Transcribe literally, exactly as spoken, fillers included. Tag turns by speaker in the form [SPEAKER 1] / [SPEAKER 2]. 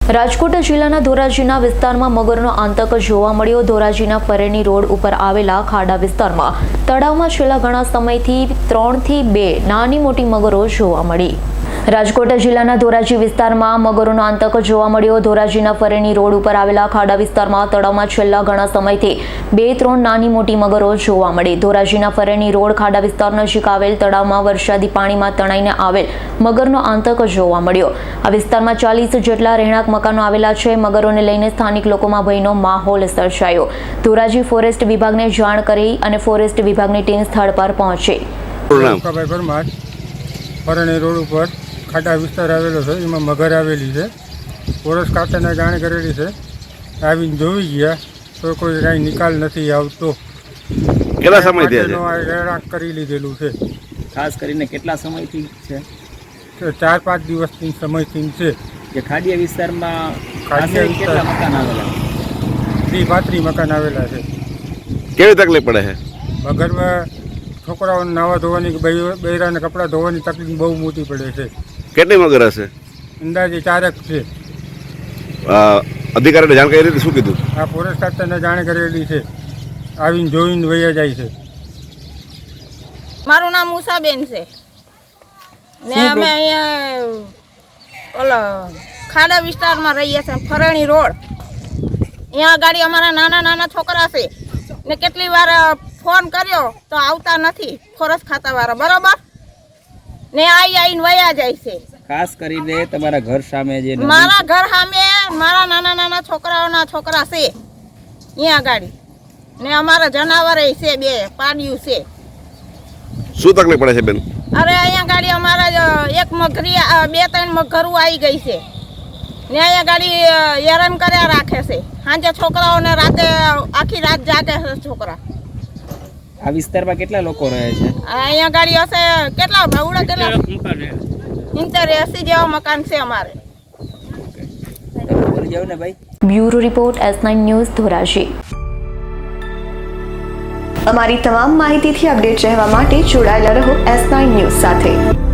[SPEAKER 1] રાજકોટ જિલ્લાના ધોરાજીના વિસ્તારમાં મગરનો આતંક જોવા મળ્યો। ધોરાજીના ફરેણી રોડ ઉપર આવેલા ખાડા વિસ્તારમાં તળાવમાં છેલ્લા ઘણા સમયથી ત્રણથી બે નાની મોટી મગરો જોવા મળી। રાજકોટ જિલ્લાના ધોરાજી વિસ્તારમાં મગરોનો આતંક જોવા મળ્યો। ધોરાજીના ફરેણી રોડ ઉપર આવેલા ખાડા વિસ્તારમાં તળાવમાં છેલ્લા ઘણા સમયથી બે ત્રણ નાની મોટી મગરો જોવા મળી। ધોરાજીના ફરેણી રોડ ખાડા વિસ્તાર નજીક આવેલ તળાવમાં વરસાદી પાણીમાં તણાઈને આવેલ મગરનો આતંક જોવા મળ્યો। આ વિસ્તારમાં ચાલીસ જેટલા રહેણાંક મકાનો આવેલા છે। મગરોને લઈને સ્થાનિક લોકોમાં ભયનો માહોલ સર્જાયો। ધોરાજી ફોરેસ્ટ વિભાગને જાણ કરી અને ફોરેસ્ટ વિભાગની ટીમ સ્થળ પર પહોંચી।
[SPEAKER 2] ફરેણી રોડ ઉપર ખાડા વિસ્તાર આવેલો છે, એમાં મગર આવેલી છે। ફોરેસ્ટ ખાતાને જાણ કરેલી છે, આવીને જોઈ ગયા તો કોઈ કાંઈ નિકાલ નથી આવતો।
[SPEAKER 3] કેટલા સમયથી
[SPEAKER 2] રહેણાંક કરી લીધેલું છે।
[SPEAKER 4] ખાસ કરીને કેટલા સમયથી છે?
[SPEAKER 2] ચાર પાંચ દિવસથી સમયથી છે।
[SPEAKER 4] જે ખાડીયા વિસ્તારમાં
[SPEAKER 2] ખાડીયા
[SPEAKER 4] આશરે કેટલા મકાન આવેલા?
[SPEAKER 2] ત્રીસ પાંત્રીસ મકાન આવેલા છે।
[SPEAKER 3] કેવી તકલીફ પડે છે?
[SPEAKER 2] મગરમાં છોકરાઓને નાવા ધોવાની, બૈરાને કપડાં ધોવાની તકલીફ બહુ મોટી પડે છે।
[SPEAKER 3] કેટલી મગર હશે?
[SPEAKER 2] અંદાજે ચારક છે।
[SPEAKER 3] અધિકારીને જાણ કરી હતી, શું કીધું?
[SPEAKER 2] આ ફોરેસ્ટ ખાતાને જાણ કરેલી છે, આવીને જોઈને વયા જાય છે।
[SPEAKER 5] મારું નામ ઉષાબેન છે ને અમે અહીંયા ઓલો ખાડા વિસ્તારમાં રહીએ છીએ, ફરેણી રોડ। અહીંયા ગાડી અમારા નાના નાના છોકરા છે ને કેટલી વાર ફોન કર્યો તો આવતા નથી ફોરેસ્ટ ખાતાવાળા, બરોબર ને આવી આવીને વયા જાય છે।
[SPEAKER 4] ખાસ કરીને તમારા ઘર સામે જે નદી
[SPEAKER 5] મારા ઘર સામે મારા નાના નાના છોકરાઓના છોકરા છે અહીંયા ગાડી ને અમારા જનાવર છે, બે પાડ્યું છે।
[SPEAKER 3] શું તકલીફ પડે છે બેન?
[SPEAKER 5] અરે અહીંયા ગાડી અમારા એક મગરી બે ત્રણ મગરું આવી ગઈ છે ને અહીંયા ગાડી હેરાન કર્યા રાખે છે। સાંજે છોકરાઓને રાતે આખી રાત જાગે છે છોકરા।
[SPEAKER 4] આ વિસ્તારમાં કેટલા લોકો રહે છે?
[SPEAKER 5] અહીંયા ગાડી હશે કેટલા ભાવડા કેટલા ઇન્ટર એસી જેવા મકાન છે અમારે।
[SPEAKER 4] બોલી જાવ ને ભાઈ।
[SPEAKER 1] Bureau report S nine news Dhoraji.
[SPEAKER 6] અમારી તમામ માહિતીથી અપડેટ રહેવા માટે જોડાયેલા રહો એસ નાઇન ન્યૂઝ સાથે।